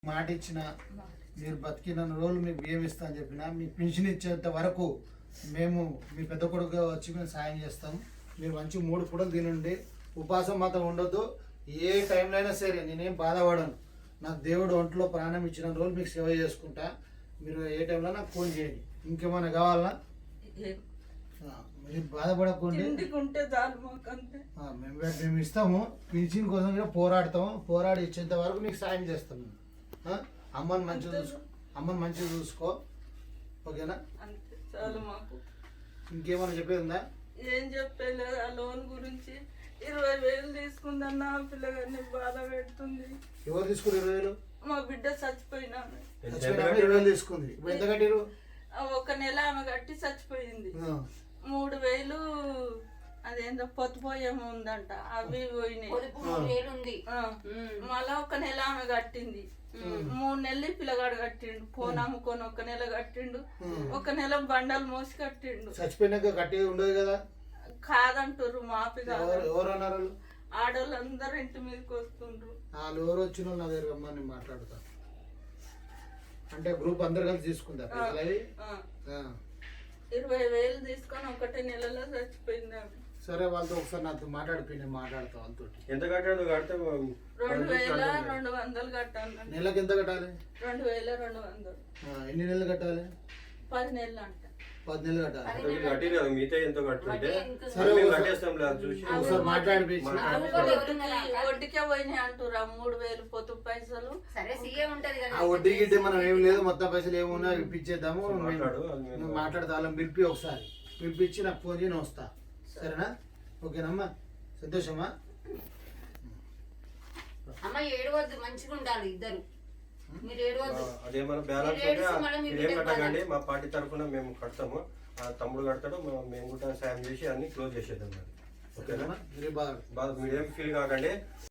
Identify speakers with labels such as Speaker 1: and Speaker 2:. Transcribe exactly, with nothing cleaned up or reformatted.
Speaker 1: మాట ఇచ్చిన మీరు బతికిన రోజులు మీకు బియ్యం ఇస్తా అని చెప్పిన మీకు పింఛన్ ఇచ్చేంత వరకు మేము మీ పెద్ద కొడుకు వచ్చి మేము సాయం చేస్తాం. మీరు మంచి మూడు పూటలు తినండి, ఉపాసం మాత్రం ఉండొద్దు. ఏ టైంలో అయినా సరే నేనేం బాధపడను. నాకు దేవుడు ఒంట్లో ప్రాణం ఇచ్చిన రోజులు మీకు సేవ చేసుకుంటా. మీరు ఏ టైంలో నాకు ఫోన్ చేయండి. ఇంకేమైనా కావాలన్నా మీరు బాధపడకండి, మేము మేము ఇస్తాము. పింఛన్ కోసం కూడా పోరాడతాము. పోరాడి ఇచ్చేంత వరకు మీకు సాయం చేస్తాము. అమ్మని మంచిగా చూసుకో, అమ్మని మంచిగా చూసుకో, ఓకేనా? ఇంకేమైనా చెప్పేది ఉందా?
Speaker 2: ఏం చెప్పలేదు. ఆ లోన్ గురించి ఇరవై వేలు తీసుకుందన్న పిల్లగాన్ని బాధ పెడుతుంది.
Speaker 1: ఎవరు తీసుకుని ఇరవై వేలు?
Speaker 2: మా బిడ్డ చచ్చిపోయినా
Speaker 1: ఇరవై వేలు తీసుకుంది. ఇప్పుడు ఎంత కట్టిరు?
Speaker 2: ఒక నెల ఆమె కట్టి చచ్చిపోయింది. మూడు వేలు అదేందో పొత్తుపోయేమో ఉందంట, అవి పోయినాయి. మళ్ళా ఒక నెల ఆమె కట్టింది. మూడు నెలలు పిల్లగాడు కట్టిండు. ఫోన్ అమ్ముకొని ఒక నెల కట్టిండు, ఒక నెల బండలు మోసి కట్టిండు.
Speaker 1: చచ్చిపోయినాక కట్టి ఉండదు కదా?
Speaker 2: కాదంటారు, మాపి కాదు.
Speaker 1: ఎవరు అన్నారు?
Speaker 2: ఆడవాళ్ళు అందరు ఇంటి మీదకి వస్తుండ్రు.
Speaker 1: వాళ్ళు ఎవరు వచ్చిన నా దగ్గర రమ్మని నేను మాట్లాడతా. అంటే గ్రూప్ అందరు కలిసి తీసుకుంటారు.
Speaker 2: ఇరవై వేలు తీసుకొని ఒకటే నెలలో చచ్చిపోయింది ఆమె.
Speaker 1: సరే, వాళ్ళతో ఒకసారి నాతో మాట్లాడిపోయి నేను మాట్లాడతా వాళ్ళతో.
Speaker 3: ఎంత కట్టాడు? కడితే
Speaker 2: రెండు వేల రెండు వందలు కట్టాలి.
Speaker 1: నెలకు ఎంత కట్టాలి?
Speaker 2: రెండు వేల రెండు వందలు.
Speaker 1: ఎన్ని నెలలు కట్టాలి?
Speaker 2: పది నెలలు అంట.
Speaker 1: పది నెలలు కట్టాలి.
Speaker 3: కట్టి మిగతా ఎంత కట్టుంటే
Speaker 1: ఒకసారి మాట్లాడిపోయి
Speaker 2: వడ్డీకే పోయినాయి అంటురా. మూడు వేలు పొత్తు పైసలు.
Speaker 1: ఆ వడ్డీ గిడ్డి మనం ఏం లేదు, మొత్తం పైసలు ఏమున్నా ఇప్పించేద్దాము. మాట్లాడతా వాళ్ళని పిలిపి, ఒకసారి పిలిపించి నాకు ఫోన్ చేసి వస్తా. సరేనా? ఓకేనమ్మా? సంతోషమా?
Speaker 4: అమ్మ ఏడవద్దు, మంచిగా ఉండాలి ఇద్దరు. మీరు ఏడవద్దు.
Speaker 3: అదేమన్నా బ్యాలెన్స్ ఏం కట్టకండి, మా పార్టీ తరఫున మేము కడతాము. ఆ తమ్ముడు కడతాడు, మేము కూడా సాయం చేసి అన్ని క్లోజ్ చేసేద్దాం. ఓకేనా? మీరేం ఫీల్ కాకండి.